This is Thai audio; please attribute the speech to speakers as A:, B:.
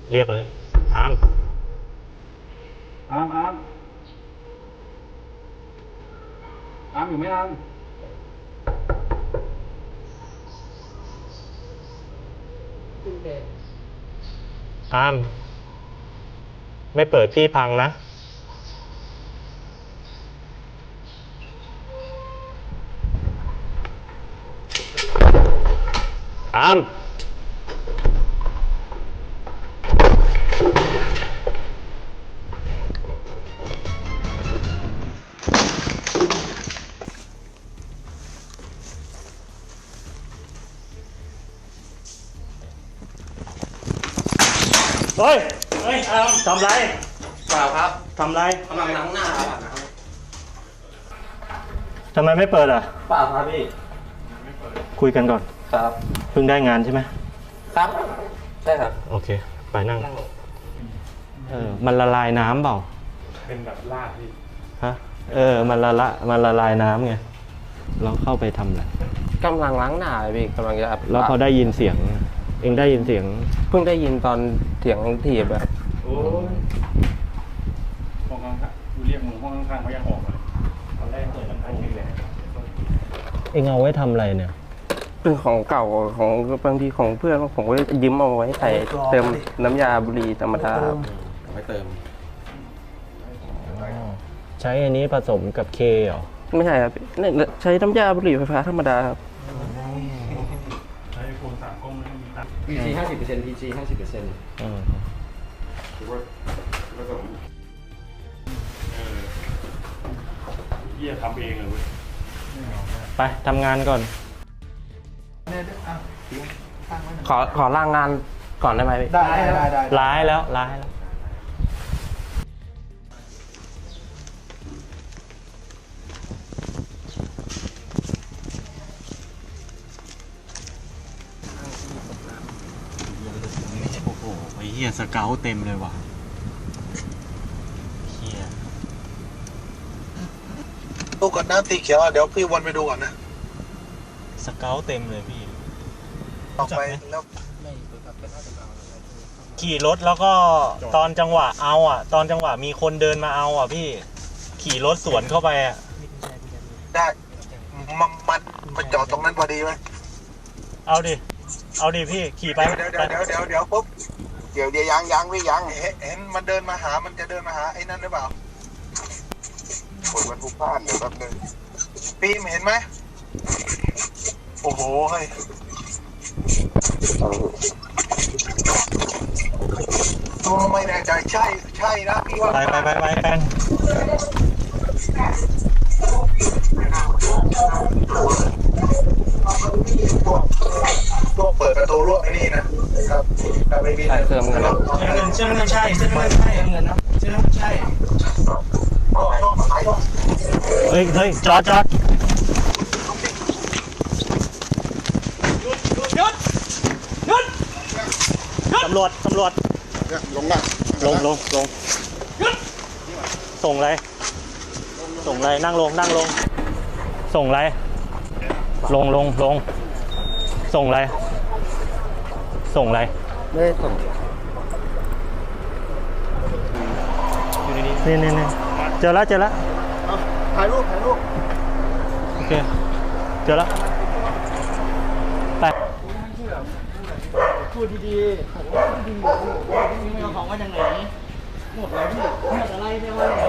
A: เรียกเลยอาม
B: อามอยู่ไหมอาม
A: อามไม่เปิดพี่พังนะอามเฮ้ยอามทำไร
C: เปล่าครับ
A: ทำไร
C: กำลังล้างหน้าครับ
A: ทำไมไม่เปิดอ่ะ
C: เปล่าครับพี่
A: คุยกันก่อน
C: ครับ
A: เพิ่งได้งานใช่ไหม
C: ครับใช่ครับ
A: โอเคไปนั่งมันละลายน้ำเปล่า
B: เป็นแบบลาดพี่
A: ฮะมันละลายน้ำไงเราเข้าไปทำอะไร
C: กำลังล้างหน้าเลยพี่กำลังจะ
A: แล้วพอได้ยินเสียงเองได้ยินเสียง
C: เพิ่งได้ยินตอนเสียงถีบแบบ
B: โอ้ยห้องข้างๆกูเรียกมึงห้องข้างๆเขายังออกมาเลยตอนแรกเปิดน้ำพันขึ้นเลย
A: เองเอาไว้ทำอะไรเนี่ย
C: เป็นของเก่าของบางทีของเพื่อนผมก็ยืมเอาไว้ใส่เติมน้ำยาบุหรี่ธรรมดาครับไว้เติม
A: ใช้อันนี้ผสมกับเคเหรอ
C: ไม่ใช่ครับเนี่ยใช้น้ำยาบุหรี่ไฟฟ้าธรรมดาครับ
B: ใช้โฟน3กล้องไม่มีตังค์
C: PG 50% PG 50%
B: ถือว่าผสมเยี่ยทำเองเลยเว้ย
A: ไปทำงานก่อน
C: ขอล่างงานก่อนได้ไหมพี่
B: ได้
A: ร้ายแล้วโอ้โหไอ้เหี้ยสเกลเต็มเลยว่ะเหี้ย
D: ดูก่อนนะสีเขียวเดี๋ยวพี่วนไปดูก่อนนะ
A: สเกลเต็มเลยพี่
D: ออกไปแล้ว
A: ขี่รถแล้วก็ตอนจังหวะเอาอ่ะ ตอนจังหวะมีคนเดินมาเอาอ่ะพี่ขี่รถสวนเข้าไปอ่ะ
D: ได้มันจอดตรงนั้นพอดีไหม
A: เอาดิพี่ขี่ไป
D: เดี๋ยวปุ๊บเดี๋ยวยังพี่ยังเห็นมันเดินมาหามันจะเดินมาหาไอ้นั่นหรือเปล่าโอ้ยมันผู้พลาดเดี๋ยวแป๊บนึงปีมเห็นไหมโอ้โหเฮ้ยไม่แน่ใจใช่นะพี่ว่า
A: ไปแป้ง
D: ตัวเปิดประตูรั้วไอ้นี่นะครับถ้าไม่มี
C: ใส่เติมเงินแล้ว
D: เชื่อมันใช่เงินนะเชื่อมันใช่
A: เฮ้ยจอดหยุดตำรวจ
D: ลงนะ
A: ลงส่งอะไรนั่งลงส่งอะไรลงส่งอะไร
C: ไม่ได้ส่ง
A: นี่เจอแล้ว
D: ถ่ายรูป
A: โอเคเจอแล้วไป
E: พูดดีๆผมว่าดีๆไม่เอาของมาจากไหนหมดแล้วพี่หมดอะไรไม่ว่า